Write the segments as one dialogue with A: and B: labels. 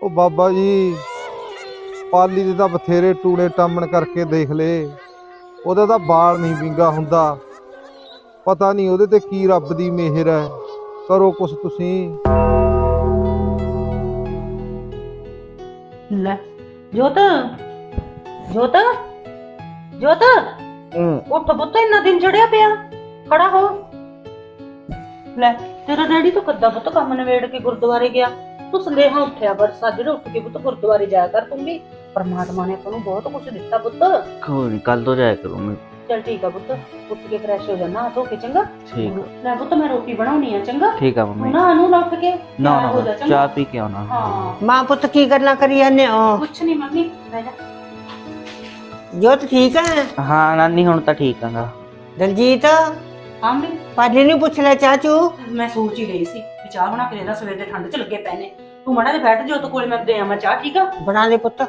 A: ਉਹ ਬਾਬਾ ਜੀ ਪਾਲੀ ਦੇ ਤਾਂ ਬਥੇਰੇ ਟੂਣੇ ਟਾਮਣ ਕਰਕੇ ਦੇਖ ਲਏ, ਉਹਦਾ ਤਾਂ ਬਾਲ ਨਹੀਂ ਵਿੰਗਾ ਹੁੰਦਾ। ਪਤਾ ਨਹੀਂ ਉਹਦੇ ਤੇ ਕੀ ਰੱਬ ਦੀ ਮਿਹਰ ਹੈ। ਕਰੋ ਕੁਛ ਤੁਸੀਂ।
B: ਲੈ ਜੋਤ ਜੋਤ ਜੋਤ ਉੱਠ ਪੁੱਤ, ਇੰਨਾ ਦਿਨ ਚੜਿਆ ਪਿਆ, ਖੜਾ ਹੋ। ਲੈ ਤੇਰਾ ਡੈਡੀ ਤਾਂ ਕੱਦਾ ਪੁੱਤ ਕੰਮ ਨਵੇੜ ਕੇ ਗੁਰਦੁਆਰੇ ਗਿਆ, ਤੂੰ ਸੰਦੇਹਾ ਉੱਠਿਆ ਪਰ ਸਾਜਰੇ ਉੱਠ ਕੇ ਪੁੱਤ ਗੁਰਦੁਆਰੇ ਜਾਇਆ ਕਰ। ਤੂੰ ਵੀ ਪਰਮਾਤਮਾ ਨੇ ਆਪਾਂ ਨੂੰ ਬਹੁਤ ਕੁਝ ਦਿੱਤਾ ਪੁੱਤ।
C: ਕੋਈ ਨਹੀਂ, ਕੱਲ ਤੋਂ ਜਾਇਆ ਕਰੂੰ ਮੈਂ।
B: ਚਲ ਠੀਕ ਆ ਪੁੱਤ, ਉੱਠ ਕੇ ਫਰੈਸ਼ ਹੋ ਜਾਣਾ, ਧੋ ਕੇ ਚੰਗਾ।
C: ਠੀਕ
B: ਲੈ ਪੁੱਤ ਮੈਂ ਰੋਟੀ ਬਣਾਉਣੀ ਆ, ਚੰਗਾ।
C: ਠੀਕ ਆ ਮੰਮੀ।
B: ਨਾ ਨੂੰ ਉੱਠ ਕੇ
C: ਨਾ
B: ਤਿਆਰ ਹੋ ਜਾ,
C: ਨਾ
B: ਚੰਗਾ?
C: ਚਾਹ ਪੀ ਕੇ ਆਉਣਾ।
B: ਹਾਂ
D: ਮਾਂ ਪੁੱਤ ਕੀ ਗੱਲਾਂ ਕਰੀ ਜਾਂਦੇ ਹੋ?
B: ਕੁਛ ਨਹੀਂ ਮੰਮੀ, ਬਹਿ ਜਾ।
D: ਜੋਤ ਠੀਕ ਹੈ?
C: ਹਾਂ ਨਾਨੀ ਹੁਣ ਤਾਂ ਠੀਕ ਆਂਗਾ।
D: ਦਲਜੀਤ
B: ਹਾਂ ਵੀ
D: ਪਾਜੀ ਨੂੰ ਪੁੱਛ ਲੈ ਚਾਚੂ।
B: ਮੈਂ ਸੋਚ ਹੀ ਰਹੀ ਸੀ ਵੀ ਚਾਹ ਬਣਾ ਕੇ ਦੇ ਦਾਂ, ਸਵੇਰ ਦੇ ਠੰਡ ਚ ਲੱਗੇ ਪਏ ਨੇ। ਤੂੰ ਮੜਾ ਦੇ ਬੈਠ ਜੋਤ ਕੋਲ, ਮੈਂ ਦੇ ਆਵਾਂ ਚਾਹ, ਠੀਕ ਆ?
D: ਬਣਾ ਦੇ ਪੁੱਤ।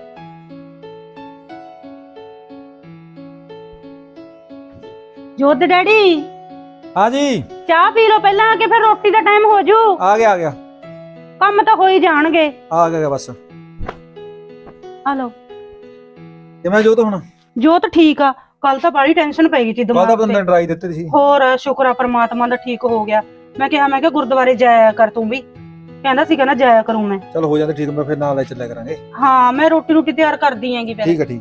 B: ਜੋਤ ਦੇ ਡੈਡੀ
E: हाँ जी
B: ਚਾਹ ਪੀ ਲਓ ਪਹਿਲਾਂ, ਆ ਕੇ ਫਿਰ ਰੋਟੀ ਦਾ ਟਾਈਮ ਹੋ ਜੂ।
E: आ गया
B: ਕੰਮ ਤਾਂ ਹੋ ਹੀ ਜਾਣਗੇ।
E: आ गया बस।
B: ਆ ਲਓ।
E: ਤੇ ਮੈਂ ਜੋ ਤਾਂ ਹੁਣ
B: ਜੋਤ ਠੀਕ ਆ, ਕੱਲ ਤਾਂ ਬੜੀ ਟੈਨਸ਼ਨ ਪੈ ਗਈ ਸੀ
E: ਕਾਹਦਾ
B: ਦਿਮਾਗ
E: ਬੰਦਾ
B: ਤੇ।
E: ਡਰਾਈ ਦਿੱਤੇ ਸੀ।
B: ਹੋਰ ਸ਼ੁਕਰ ਆ ਪਰਮਾਤਮਾ ਦਾ ਠੀਕ ਹੋ ਗਿਆ। ਮੈਂ ਕਿਹਾ ਗੁਰਦੁਆਰੇ ਜਾਇਆ ਕਰ ਤੂੰ ਵੀ, ਕਹਿੰਦਾ ਸੀ ਕਹਿੰਦਾ ਜਾਇਆ ਕਰੂੰ ਮੈਂ।
E: ਚਲ ਹੋ ਜਾਂਦੇ ਠੀਕ, ਮੈਂ ਫਿਰ ਨਾਲ ਲੈ ਚੱਲਿਆ ਕਰਾਂਗੇ।
B: ਹਾਂ ਮੈਂ ਰੋਟੀ ਤਿਆਰ ਕਰਦੀ ਆਂਗੀ ਫਿਰ।
E: ਠੀਕ ਹੈ ਠੀਕ।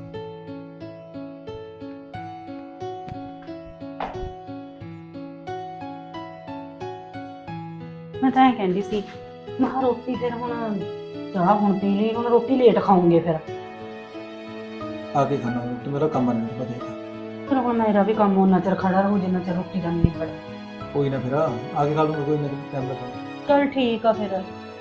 B: ਮੈਂ ਤਾਂ ਇਹ ਕਹਿੰਦੀ ਸੀ, ਮੈਂ ਕਿਹਾ ਰੋਟੀ ਫਿਰ ਹੁਣ ਚਾਹ ਹੁਣ ਪੀ ਲਈ, ਹੁਣ ਰੋਟੀ ਲੇਟ ਖਾਉਂਗੇ ਫਿਰ।
E: ਆ ਕੇ ਖਾਣਾ ਤੇ ਮੇਰਾ ਕੰਮ ਨਹੀਂ ਪਤਾ।
B: ਫਿਰ ਹੁਣ ਮੇਰਾ ਵੀ ਕੰਮ ਉਹਨਾਂ ਚਿਰ ਖੜਾ ਰਹੂ ਜਿੰਨਾ ਚਿਰ ਰੋਟੀ ਦਾ ਨਹੀਂ ਖੜਾ।
E: ਕੋਈ ਨਾ ਫਿਰ ਆ ਕੇ ਖਾ ਲੂੰਗਾ, ਕੋਈ ਨਾ ਟਾਈਮ ਲੱਗਾ।
B: ਚਲ ਠੀਕ ਆ ਫਿਰ।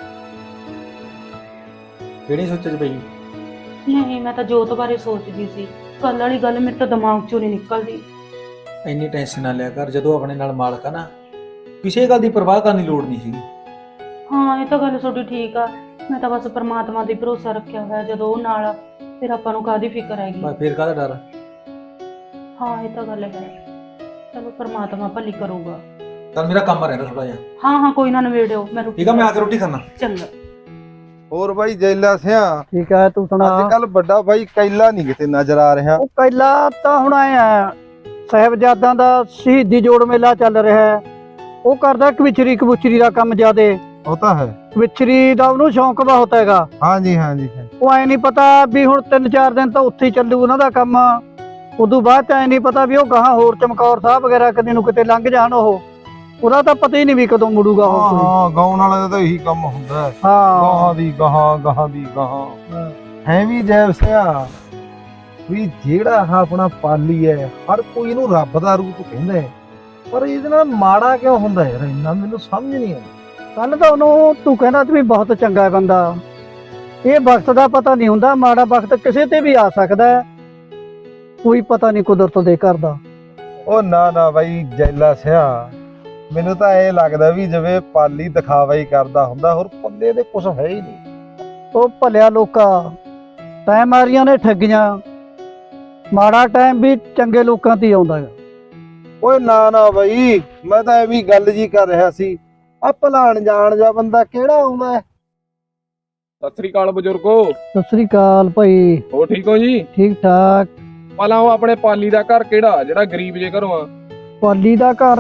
E: ਕਿਹੜੀ ਸੋਚੇ ਚ ਪਈ?
B: ਨਹੀਂ ਮੈਂ ਤਾਂ ਜੋਤ ਬਾਰੇ ਸੋਚਦੀ ਸੀ, ਕੱਲ ਵਾਲੀ ਗੱਲ ਮੇਰੇ ਤਾਂ ਦਿਮਾਗ ਚੋਂ ਨਹੀਂ ਨਿਕਲਦੀ।
E: ਇੰਨੀ ਟੈਨਸ਼ਨ ਨਾ ਲਿਆ ਕਰ, ਜਦੋਂ ਆਪਣੇ ਨਾਲ ਮਾਲਕ ਆ ਨਾ, ਕਿਸੇ ਗੱਲ ਦੀ ਪਰਵਾਹ ਕਰਨ ਦੀ ਲੋੜ ਨਹੀਂ ਸੀਗੀ।
B: ਹਾਂ ਇਹ ਤਾਂ ਗੱਲ ਤੁਹਾਡੀ ਠੀਕ ਆ, ਮੈਂ ਤਾਂ ਬਸ ਪਰਮਾਤਮਾ ਤੇ ਭਰੋਸਾ ਰੱਖਿਆ ਹੋਇਆ, ਜਦੋਂ ਉਹ ਨਾਲ ਆ ਫਿਰ ਆਪਾਂ ਨੂੰ ਕਾਹਦੀ ਫਿਕਰ ਹੈਗੀ।
E: ਮੈਂ ਫਿਰ ਕਾਹਦਾ ਡਰ?
B: ਹਾਂ ਇਹ ਤਾਂ ਗੱਲ ਹੈ, ਚਲੋ ਪਰਮਾਤਮਾ ਭਲੀ ਕਰੂਗਾ।
E: ਚੱਲ ਮੇਰਾ ਕੰਮ ਰਹਿੰਦਾ ਥੋੜਾ ਜਿਹਾ।
B: ਹਾਂ ਕੋਈ ਨਾ ਨਵੇੜਿਓ, ਮੈਂ ਰੋਟੀ।
E: ਠੀਕ ਆ, ਮੈਂ ਆ ਕੇ ਰੋਟੀ ਖਾਣਾ।
B: ਚੰਗਾ।
A: ਹੋਰ ਬਾਈ ਜੈਲਾ ਸਿਆ,
F: ਠੀਕ ਹੈ ਤੂੰ ਸੁਣਾ।
A: ਅੱਜ ਕੱਲ ਵੱਡਾ ਬਾਈ ਕੈਲਾ ਨਹੀਂ ਕਿਤੇ ਨਜ਼ਰ ਆ ਰਿਹਾ।
F: ਉਹ ਪਹਿਲਾਂ ਤਾਂ ਹੁਣ ਆਏ ਆ, ਸਾਹਿਬਜ਼ਾਦਾਂ ਦਾ ਸ਼ਹੀਦੀ ਜੋੜ ਮੇਲਾ ਚੱਲ ਰਿਹਾ ਹੈ, ਉਹ ਕਰਦਾ ਕਵਿਚਰੀ ਕਬੂਚਰੀ ਦਾ ਕੰਮ ਜ਼ਿਆਦੇ।
A: ਉਹ ਤਾਂ ਹੈ।
F: ਕਵਿਚਰੀ ਦਾ ਉਹਨੂੰ ਸ਼ੌਂਕ ਬਹੁਤ ਹੈਗਾ।
A: ਹਾਂਜੀ ਹਾਂਜੀ।
F: ਉਹ ਐ ਨਹੀਂ ਪਤਾ ਵੀ ਹੁਣ 3-4 ਦਿਨ ਤਾਂ ਉੱਥੇ ਹੀ ਚੱਲੂ ਉਹਨਾਂ ਦਾ ਕੰਮ, ਉਦੋਂ ਬਾਅਦ ਐ ਨਹੀਂ ਪਤਾ ਵੀ ਉਹ ਗਾਹਾਂ ਹੋਰ ਚਮਕੌਰ ਸਾਹਿਬ ਵਗੈਰਾ ਕਦੇ ਨੂੰ ਕਿਤੇ ਲੰਘ ਜਾਣ, ਉਹਦਾ ਤਾਂ ਪਤਾ ਹੀ ਨਹੀਂ ਵੀ ਕਦੋਂ ਮੁੜੂਗਾ ਉਹ ਕੋਈ।
A: ਹਾਂ ਗਾਉਣ ਵਾਲੇ ਦਾ ਤਾਂ ਇਹੀ ਕੰਮ ਹੁੰਦਾ ਹੈ,
F: ਹਾਂ
A: ਗਾਹਾਂ ਦੀ ਗਾਹਾਂ ਹੈ ਵੀ ਜੈਬ ਸਿਆ ਵੀ ਜਿਹੜਾ ਆਹ ਆਪਣਾ ਪਾਲੀ ਹੈ, ਹਰ ਕੋਈ ਇਹਨੂੰ ਰੱਬ ਦਾ ਰੂਪ ਕਹਿੰਦਾ ਹੈ, ਪਰ ਇਹਦੇ ਨਾਲ ਮਾੜਾ ਕਿਉਂ ਹੁੰਦਾ ਯਾਰ, ਇੰਨਾ ਮੈਨੂੰ ਸਮਝ ਨਹੀਂ ਆਉਂਦੀ।
F: ਕੱਲ ਤਾਂ ਉਹਨੂੰ ਤੂੰ ਕਹਿੰਦਾ ਵੀ ਬਹੁਤ ਚੰਗਾ ਬੰਦਾ, ਇਹ ਵਕਤ ਦਾ ਪਤਾ ਨਹੀਂ ਹੁੰਦਾ, ਮਾੜਾ ਵਕਤ ਕਿਸੇ ਤੇ ਵੀ ਆ ਸਕਦਾ ਹੈ, ਕੋਈ ਪਤਾ ਨਹੀਂ ਕੁਦਰਤ ਦੇ ਘਰ ਦਾ।
A: ਉਹ ਨਾ ਬਾਈ ਜੈਲਾ ਸਿਆ, ਮੈਨੂੰ ਤਾਂ ਇਹ ਲੱਗਦਾ ਵੀ ਜਿਵੇਂ ਪਾਲੀ ਦਿਖਾਵਾ ਹੀ ਕਰਦਾ ਹੁੰਦਾ, ਹੋਰ ਪੱਲੇ ਦੇ ਕੁਝ ਹੈ ਹੀ ਨਹੀਂ।
F: ਉਹ ਭਲਿਆ ਲੋਕਾਂ ਟਾਈਮ ਮਾਰੀਆਂ ਨੇ ਠੱਗੀਆਂ, ਮਾੜਾ ਟਾਈਮ ਵੀ ਚੰਗੇ ਲੋਕਾਂ ਤੇ ਹੀ ਆਉਂਦਾ ਹੈ।
A: ਓਏ ਨਾ ਬਾਈ, ਮੈਂ ਤਾਂ ਐਵੇਂ ਗੱਲ ਜੀ ਕਰ ਰਿਹਾ ਸੀ, ਆ ਭਲਾਣ ਜਾਣ ਜਾ ਬੰਦਾ ਕਿਹੜਾ ਆਉਂਦਾ ਹੈ।
G: ਸਤਿ ਸ੍ਰੀ ਅਕਾਲ ਬਜ਼ੁਰਗੋ।
F: ਸਤਿ ਸ੍ਰੀ ਅਕਾਲ ਭਾਈ।
G: ਹੋ ਠੀਕ ਹੋ ਜੀ?
F: ਠੀਕ ਠਾਕ।
G: ਪਹਿਲਾਂ ਉਹ ਆਪਣੇ ਪਾਲੀ ਦਾ ਘਰ ਕਿਹੜਾ, ਜਿਹੜਾ ਗਰੀਬ ਜੇ ਘਰੋਂ ਆ?
F: ਪਾਲੀ ਦਾ ਘਰ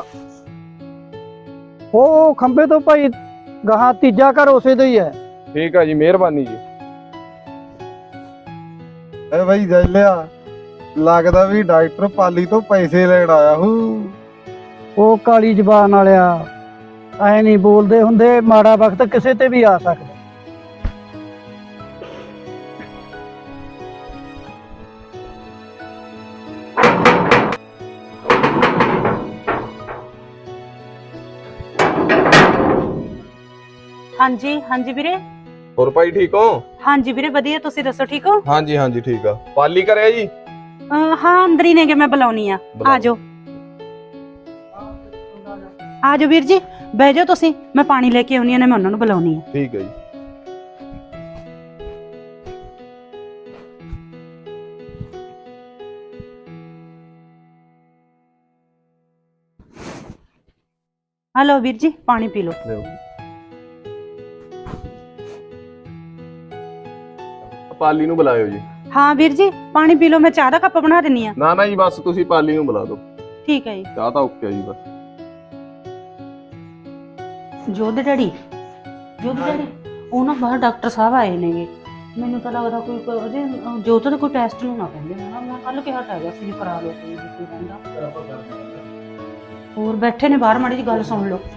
F: ਉਹ ਖੰਬੇ ਤੋਂ ਭਾਈ ਗਾਹਾਂ ਤੀਜਾ ਘਰ ਉਸੇ ਦਾ ਹੀ ਹੈ।
G: ਠੀਕ ਆ ਜੀ, ਮਿਹਰਬਾਨੀ ਜੀ।
A: ਐ ਬਾਈ ਜੈਲਿਆ, ਲੱਗਦਾ ਵੀ ਡਾਕਟਰ ਪਾਲੀ ਤੋਂ ਪੈਸੇ ਲੈਣ ਆਇਆ ਹੂ।
F: ਉਹ ਕਾਲੀ ਜ਼ਬਾਨ ਵਾਲਿਆ ਐ ਨਹੀਂ ਬੋਲਦੇ ਹੁੰਦੇ, ਮਾੜਾ ਵਕਤ ਕਿਸੇ ਤੇ ਵੀ ਆ ਸਕਦਾ।
B: ਹਾਂਜੀ ਵੀਰੇ।
G: ਹੋਰ ਭਾਈ ਠੀਕ ਹੋ?
B: ਹਾਂਜੀ ਵੀਰੇ ਵਧੀਆ, ਤੁਸੀਂ ਦੱਸੋ ਠੀਕ ਹੋ?
G: ਹਾਂਜੀ ਠੀਕ ਆ। ਪਾਲੀ ਕਰਿਆ ਜੀ?
B: ਹਾਂ ਅੰਦਰ ਹੀ ਨੇਗੇ, ਮੈਂ ਬੁਲਾਉਣੀ ਆ। ਆਜੋ ਵੀਰ ਜੀ, ਬਹਿ ਜਾਓ ਤੁਸੀਂ, ਮੈਂ ਪਾਣੀ ਲੈ ਕੇ ਆਉਣੀ ਆ, ਮੈਂ ਉਹਨਾਂ ਨੂੰ ਬੁਲਾਉਣੀ ਆ।
G: ਠੀਕ ਹੈ ਜੀ।
B: ਹਲੋ ਵੀਰ ਜੀ, ਪਾਣੀ ਪੀ ਲਓ।
H: ਪਾਲੀ ਨੂੰ ਬੁਲਾਇਓ ਜੀ।
B: ਹਾਂ ਵੀਰ ਜੀ, ਪਾਣੀ ਪੀ ਲਓ, ਮੈਂ ਚਾਹ ਦਾ ਕੱਪ ਬਣਾ ਦਿੰਨੀ ਆ।
H: ਨਾ ਜੀ ਬਸ ਤੁਸੀਂ ਪਾਲੀ ਨੂੰ ਬੁਲਾ ਦਿਓ।
B: ਠੀਕ ਹੈ ਜੀ।
H: ਚਾਹ ਤਾਂ ਓਕੇ ਜੀ ਬਸ।
B: ਜੋਧ ਡੈਡੀ, ਉਹ ਨਾ ਬਾਹਰ ਡਾਕਟਰ ਸਾਹਿਬ ਆਏ ਨੇਗੇ। ਮੈਨੂੰ ਤਾਂ ਲੱਗਦਾ ਕੋਈ ਉਹਦੇ ਜੋਤ ਦੇ ਕੋਈ ਟੈਸਟ ਨੂੰ ਨਾ ਕਹਿੰਦੇ ਹੋਣਾ। ਮੈਂ ਕੱਲ ਕਿਹਾ ਤਾਂ ਹੈਗਾ ਸੀ ਕਰਾ ਲਓ ਕੋਈ ਕਹਿੰਦਾ। ਹੋਰ ਬੈਠੇ ਨੇ ਬਾਹਰ, ਮਾੜੀ ਜੀ ਗੱਲ ਸੁਣ ਲਓ।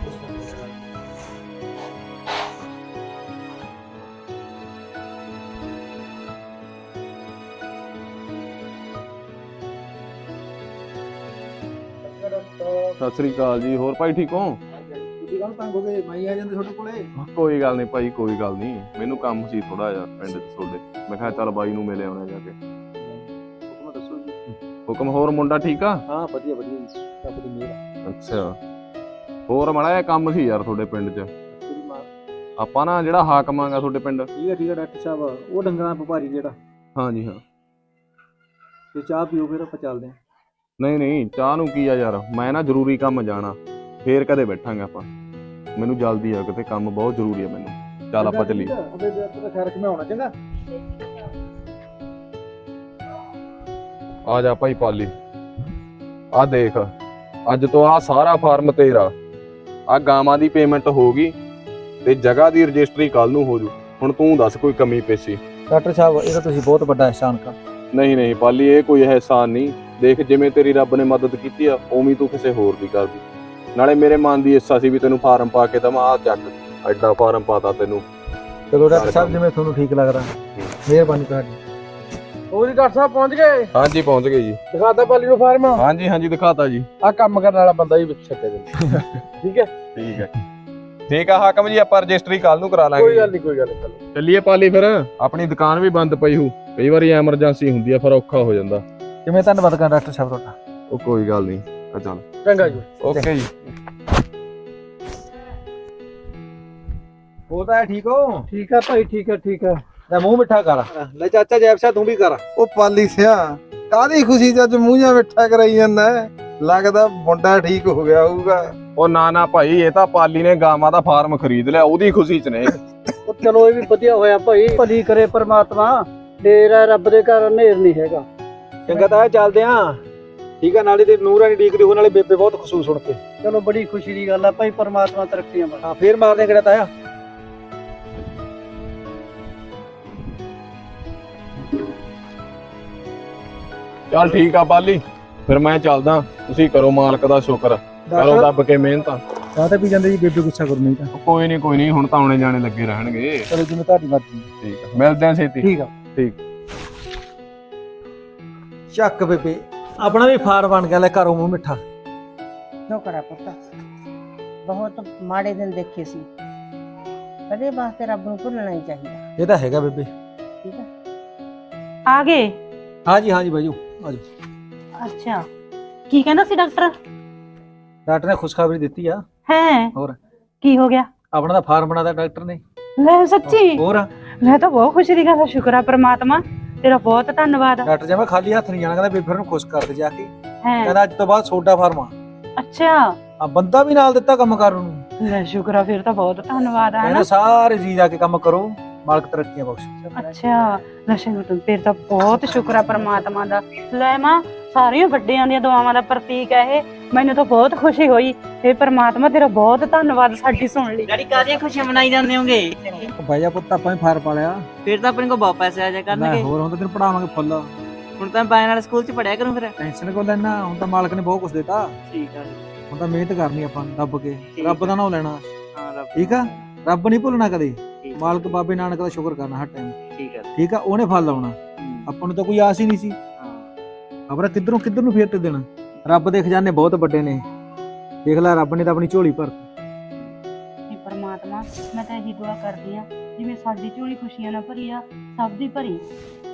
H: ਸਤਿ ਸ੍ਰੀ ਅਕਾਲ ਜੀ। ਹੋਰ ਭਾਈ ਠੀਕ ਹੋ?
E: ਤੁਸੀਂ ਕਾਹਨੂੰ ਤੰਗ ਹੋ ਗਏ? ਮੈਂ ਹੀ ਆ ਜਾਂਦੇ ਤੁਹਾਡੇ ਕੋਲੇ।
H: ਕੋਈ ਗੱਲ ਨਹੀਂ ਭਾਈ, ਕੋਈ ਗੱਲ ਨਹੀਂ। ਮੈਨੂੰ ਕੰਮ ਸੀ ਥੋੜਾ ਜਿਹਾ ਪਿੰਡ 'ਚ ਤੁਹਾਡੇ। ਮੈਂ ਕਿਹਾ ਚੱਲ ਬਾਈ ਨੂੰ ਮਿਲੇ ਆਉਣਾ ਜਾ ਕੇ।
E: ਹੁਕਮ ਦੱਸੋ ਜੀ।
H: ਹੁਕਮ। ਹੋਰ ਮੁੰਡਾ ਠੀਕ ਆ?
E: ਹਾਂ ਵਧੀਆ ਵਧੀਆ ਜੀ, ਰੱਬ ਦੀ ਮਿਹਰ।
H: ਅੱਛਾ। ਹੋਰ ਮਾੜਾ ਜਿਹਾ ਕੰਮ ਸੀ ਯਾਰ ਤੁਹਾਡੇ ਪਿੰਡ 'ਚ। ਆਪਾਂ ਨਾ ਜਿਹੜਾ ਹਾਕਮ ਆਂਗਾ ਤੁਹਾਡੇ ਪਿੰਡ।
E: ਠੀਕ ਹੈ ਡਾਕਟਰ ਸਾਹਿਬ, ਉਹ ਡੰਗਰਾਂ ਵਪਾਰੀ ਜਿਹੜਾ।
H: ਹਾਂਜੀ ਹਾਂ।
E: ਤੇ ਚਾਹ ਪੀਓ ਫਿਰ ਆਪਾਂ ਚੱਲਦੇ ਹਾਂ।
H: ਨਹੀਂ ਚਾਹ ਨੂੰ ਕੀ ਆ ਯਾਰ, ਮੈਂ ਨਾ ਜ਼ਰੂਰੀ ਕੰਮ ਜਾਣਾ, ਫੇਰ ਕਦੇ ਬੈਠਾਂਗੇ ਆਪਾਂ। ਮੈਨੂੰ ਜਲਦੀ ਆ, ਕਿਤੇ ਕੰਮ ਬਹੁਤ ਜ਼ਰੂਰੀ ਆ ਮੈਨੂੰ। ਚੱਲ ਆਪਾਂ ਚੱਲੀਏ।
E: ਖੈਰ ਕਿ ਮੈਂ ਆਉਣਾ ਚੰਗਾ।
H: ਆ ਜਾ ਭਾਈ ਪਾਲੀ, ਆ ਦੇਖ, ਅੱਜ ਤੋਂ ਆ ਸਾਰਾ ਫਾਰਮ ਤੇਰਾ। ਆ ਗਾਵਾਂ ਦੀ ਪੇਮੈਂਟ ਹੋ ਗਈ ਤੇ ਜਗ੍ਹਾ ਦੀ ਰਜਿਸਟਰੀ ਕੱਲ ਨੂੰ ਹੋ ਜੂ। ਹੁਣ ਤੂੰ ਦੱਸ ਕੋਈ ਕਮੀ ਪੇਸ਼ੀ।
E: ਡਾਕਟਰ ਸਾਹਿਬ ਇਹ ਤਾਂ ਤੁਸੀਂ ਬਹੁਤ ਵੱਡਾ ਅਹਿਸਾਨ ਕਰ।
H: ਨਹੀਂ ਪਾਲੀ, ਇਹ ਕੋਈ ਅਹਿਸਾਨ ਨਹੀਂ। ਦੇਖ ਜਿਵੇਂ ਤੇਰੀ ਰੱਬ ਨੇ ਮਦਦ ਕੀਤੀ ਆ, ਉਵੇਂ ਤੂੰ ਕਿਸੇ ਹੋਰ ਦੀ ਕਰਦੀ। ਨਾਲੇ ਮੇਰੇ ਮਨ ਦੀ ਇੱਛਾ ਸੀ ਵੀ ਤੈਨੂੰ ਫਾਰਮ ਪਾ ਕੇ ਦਵਾਂ। ਆ ਚੱਕ, ਐਡਾ ਫਾਰਮ ਪਾਤਾ ਤੈਨੂੰ।
E: ਚਲੋ ਡਾਕਟਰ ਸਾਹਿਬ ਜਿਵੇਂ ਤੁਹਾਨੂੰ ਠੀਕ ਲੱਗਦਾ। ਮਿਹਰਬਾਨੀ ਤੁਹਾਡੀ। ਉਹ ਜੀ ਡਾਕਟਰ ਸਾਹਿਬ ਪਹੁੰਚ ਗਏ?
H: ਹਾਂਜੀ ਪਹੁੰਚ ਗਏ ਜੀ।
E: ਦਿਖਾਤਾ ਪਾਲੀ ਨੂੰ ਫਾਰਮ?
H: ਹਾਂਜੀ ਦਿਖਾਤਾ ਜੀ।
E: ਆ ਕੰਮ ਕਰਨ ਵਾਲਾ ਬੰਦਾ ਹੀ ਵਿੱਚ ਛੱਡੇ ਦੇ। ਠੀਕ ਹੈ
H: ਠੀਕ ਆ ਹਾਕਮ ਜੀ, ਆਪਾਂ ਰਜਿਸਟਰੀ ਕੱਲ ਨੂੰ ਕਰਾ ਲਾਂਗੇ।
E: ਕੋਈ ਗੱਲ ਨਹੀਂ।
H: ਚੱਲੀਏ ਪਾਲੀ ਫਿਰ। ਆਪਣੀ ਦੁਕਾਨ ਵੀ ਬੰਦ ਪਈ ਹੂ, ਕਈ ਵਾਰੀ ਐਮਰਜੈਂਸੀ ਹੁੰਦੀ ਆ, ਫਿਰ ਔਖਾ ਹੋ ਜਾਂਦਾ।
E: ਕਿਵੇਂ ਧੰਨਵਾਦ ਕਰਾਂ ਡਾਕਟਰ ਸਾਹਿਬ ਤੁਹਾਡਾ।
H: ਉਹ ਕੋਈ ਗੱਲ ਨਹੀਂ। ਚੱਲ
E: ਚੰਗਾ ਜੀ।
H: ਓਕੇ ਜੀ।
E: ਉਹ ਤਾਂ ਠੀਕ ਹੋ?
F: ਠੀਕ ਆ ਭਾਈ, ਠੀਕ ਆ।
E: ਲੈ ਮੂੰਹ ਮਿੱਠਾ ਕਰ। ਲੈ ਚਾਚਾ ਜੈਬ ਸਿਆ ਤੂੰ ਵੀ ਕਰ।
A: ਉਹ ਪਾਲੀ ਸਿਆ, ਕਾਹਦੀ ਖੁਸ਼ੀ ਚ ਅੱਜ ਮੂੰਹ ਜਿਹਾ ਮਿੱਠਾ ਕਰਾਈ ਜਾਂਦਾ ਹੈ? ਲੱਗਦਾ ਮੁੰਡਾ ਠੀਕ ਹੋ ਗਿਆ ਹੋਊਗਾ।
H: ਉਹ ਨਾ ਭਾਈ, ਇਹ ਤਾਂ ਪਾਲੀ ਨੇ ਗਾਵਾਂ ਦਾ ਫਾਰਮ ਖਰੀਦ ਲਿਆ, ਉਹਦੀ ਖੁਸ਼ੀ ਚ ਨੇ।
F: ਉਹ ਚਲੋ ਇਹ ਵੀ ਵਧੀਆ ਹੋਇਆ ਭਾਈ, ਭਲੀ ਕਰੇ ਪਰਮਾਤਮਾ। ਡੇਰਾ ਰੱਬ ਦੇ ਘਰ ਹਨੇਰ ਨਹੀਂ ਹੈਗਾ।
E: ਚੰਗਾ ਤਾਂ ਚੱਲਦੇ ਆਂ। ਠੀਕ ਆ, ਨਾਲੇ ਤੇ ਨੂਰਾਨੀ ਡੀਕਦੀ ਹੋ, ਨਾਲੇ ਬੇਬੇ ਬਹੁਤ ਖੁਸ਼ੂ ਸੁਣ ਕੇ।
F: ਚਲੋ ਬੜੀ ਖੁਸ਼ੀ ਦੀ ਗੱਲ ਆ ਭਾਈ, ਪਰਮਾਤਮਾ ਤਰੱਕੀਆਂ ਬਖਸ਼ੇ।
E: ਹਾਂ ਫੇਰ ਮਾਰਦੇ ਕਿਹੜਾ ਤਾਇਆ।
H: ਚੱਲ ਠੀਕ ਆ ਪਾਲੀ, ਫਿਰ ਮੈਂ ਚੱਲਦਾ। ਤੁਸੀਂ ਕਰੋ ਮਾਲਕ ਦਾ ਸ਼ੁਕਰ, ਕਰੋ ਦੱਬ ਕੇ ਮਿਹਨਤ।
E: ਚਾਹ ਤਾਂ ਪੀ ਜਾਂਦੇ ਜੀ, ਬੇਬੇ ਗੁੱਸਾ ਕਰੂ ਨਹੀਂ ਤਾਂ।
H: ਕੋਈ ਨਹੀਂ, ਹੁਣ ਤਾਂ ਆਉਣੇ ਜਾਣੇ ਲੱਗੇ ਰਹਿਣਗੇ।
E: ਚਲੋ ਜਿਵੇਂ ਤੁਹਾਡੀ ਮਰਜ਼ੀ।
H: ਠੀਕ ਆ, ਮਿਲਦੇ ਆਂ ਛੇਤੀ।
E: ਠੀਕ ਆ।
H: ਠੀਕ।
E: ਚੱਕ ਬੇਬੇ, ਆਪਣਾ ਵੀ ਫਾਰ ਬਣ ਗਿਆ। ਲੈ ਘਰੋਂ ਮੂੰਹ ਮਿੱਠਾ।
D: ਸ਼ੁਕਰ ਹੈ ਪੁੱਤ, ਬਹੁਤ ਮਾੜੇ ਦਿਨ ਦੇਖੇ ਸੀ। ਕਦੇ ਵਾਸਤੇ ਰੱਬ ਨੂੰ ਭੁੱਲਣਾ ਹੀ ਚਾਹੀਦਾ।
E: ਇਹ ਤਾਂ ਹੈਗਾ ਬੇਬੇ।
D: ਠੀਕ ਹੈ।
B: ਆ ਗਏ?
E: ਹਾਂਜੀ ਬਾਜੂ ਆਜੋ।
B: ਅੱਛਾ, ਕੀ ਕਹਿੰਦਾ ਸੀ ਡਾਕਟਰ?
E: ਡਾਕਟਰ ਨੇ ਖੁਸ਼ਖਬਰੀ ਦਿੱਤੀ ਆ।
B: ਹੈ?
E: ਹੋਰ
B: ਕੀ ਹੋ ਗਿਆ?
E: ਆਪਣਾ ਤਾਂ ਫਾਰਮ ਬਣਾਦਾ ਡਾਕਟਰ ਨੇ।
B: ਲੈ ਸੱਚੀ?
E: ਹੋਰ
B: ਮੈਂ ਤਾਂ ਬਹੁਤ ਖੁਸ਼ੀ ਦੀ ਗੱਲ ਆ। ਸ਼ੁਕਰ ਆ ਪ੍ਰਮਾਤਮਾ, ਤੇਰਾ ਬਹੁਤ ਧੰਨਵਾਦ।
E: ਡਾਕਟਰ ਜੀ ਮੈਂ ਖਾਲੀ ਹੱਥ ਨਹੀਂ ਜਾਣਾ, ਕਹਿੰਦਾ ਬੇਬੇ ਨੂੰ ਖੁਸ਼ ਕਰ ਦੇ ਜਾ ਕੇ।
B: ਹੈ?
E: ਕਹਿੰਦਾ ਅੱਜ ਤੋਂ ਬਾਅਦ ਸੋਡਾ ਫਾਰਮ ਆ।
B: ਅੱਛਾ।
E: ਆ ਬੰਦਾ ਵੀ ਨਾਲ ਦਿੱਤਾ ਕੰਮ ਕਰਨ ਨੂੰ।
B: ਲੈ ਸ਼ੁਕਰ ਆ, ਫਿਰ ਤਾਂ ਬਹੁਤ ਧੰਨਵਾਦ ਆ।
E: ਕਹਿੰਦਾ ਸਾਰੇ ਜੀ ਜਾ ਕੇ ਕੰਮ ਕਰੋ, ਮਾਲਕ ਤਰੱਕੀਆਂ ਬਖਸ਼ੇ।
B: ਅੱਛਾ, ਲੈ ਸ਼ੁਕਰ, ਫਿਰ ਤਾਂ ਬਹੁਤ ਸ਼ੁਕਰ ਆ ਪ੍ਰਮਾਤਮਾ ਦਾ। ਲੈ ਮਾਂ, ਸਾਰੀਆਂ ਵੱਡਿਆਂ ਦੀਆਂ ਦੁਆਵਾਂ ਦਾ ਪ੍ਰਤੀਕ ਹੈ ਇਹ। ਮੈਨੂੰ ਤਾਂ ਬਹੁਤ ਖੁਸ਼ੀ ਹੋਈ। ਇਹ ਪ੍ਰਮਾਤਮਾ ਤੇਰਾ ਬਹੁਤ ਧੰਨਵਾਦ ਸਾਡੀ ਸੁਣ ਲਈ।
C: ਡੈਡੀ ਕਾਹਦੀਆਂ ਖੁਸ਼ੀਆਂ ਮਨਾਈ ਜਾਂਦੇ ਹੋਗੇ?
E: ਭਾਈਆ ਪੁੱਤ ਆਪਾਂ ਹੀ ਫਾਰ ਪਾ ਲਿਆ।
C: ਫਿਰ ਤਾਂ ਆਪਣੇ ਕੋਲ ਬਹੁਤ ਪੈਸੇ ਆ ਜਾ ਕਰਨਗੇ।
E: ਹੋਰ ਹੁਣ ਤਾਂ ਤੈਨੂੰ ਪੜਾਵਾਂਗੇ ਫੁੱਲ।
C: ਹੁਣ ਤਾਂ ਬਾਈ ਨਾਲ ਸਕੂਲ 'ਚ ਪੜਿਆ ਕਰੂੰ ਫਿਰ।
E: ਟੈਨਸ਼ਨ ਕੋ ਲੈਣਾ, ਹੁਣ ਤਾਂ ਮਾਲਕ ਨੇ ਬਹੁਤ ਕੁਝ ਦਿੱਤਾ।
C: ਠੀਕ ਆ।
E: ਹੁਣ ਤਾਂ ਮਿਹਨਤ ਕਰਨੀ ਆਪਾਂ ਦੱਬ ਕੇ, ਰੱਬ ਦਾ ਨਾਮ ਲੈਣਾ।
C: ਹਾਂ ਰੱਬ।
E: ਠੀਕ ਆ, ਰੱਬ ਨਹੀਂ ਭੁੱਲਣਾ ਕਦੇ।
C: ਠੀਕ।
E: ਮਾਲਕ ਬਾਬੇ ਨਾਨਕ ਦਾ ਸ਼ੁਕਰ ਕਰਨਾ ਹਰ ਟਾਈਮ।
C: ਠੀਕ ਆ।
E: ਠੀਕ ਆ, ਉਹਨੇ ਫਲ ਲਾਉਣਾ। ਆਪਾਂ ਨੂੰ ਤਾਂ ਕੋਈ ਆਸ ਹੀ ਨਹੀਂ ਸੀ।
C: ਹਾਂ।
E: ਖਬਰ ਕਿੱਧਰ ਨੂੰ ਫੇਰ ਤੇ ਦੇਣਾ। ਰੱਬ ਦੇ ਖਜ਼ਾਨੇ ਬਹੁਤ ਵੱਡੇ ਨੇ। ਦੇਖ ਲੈ, ਰੱਬ ਨੇ ਤਾਂ ਆਪਣੀ ਝੋਲੀ ਭਰਤੀ।
B: ਇਹ ਪ੍ਰਮਾਤਮਾ, ਮੈਂ ਤਾਂ ਇਹੀ ਦੁਆ ਕਰਦੀ ਆ, ਜਿਵੇਂ ਸਾਡੀ ਝੋਲੀ ਖੁਸ਼ੀਆਂ ਨਾਲ ਭਰੀ ਆ, ਸਭ ਦੀ ਭਰੀ।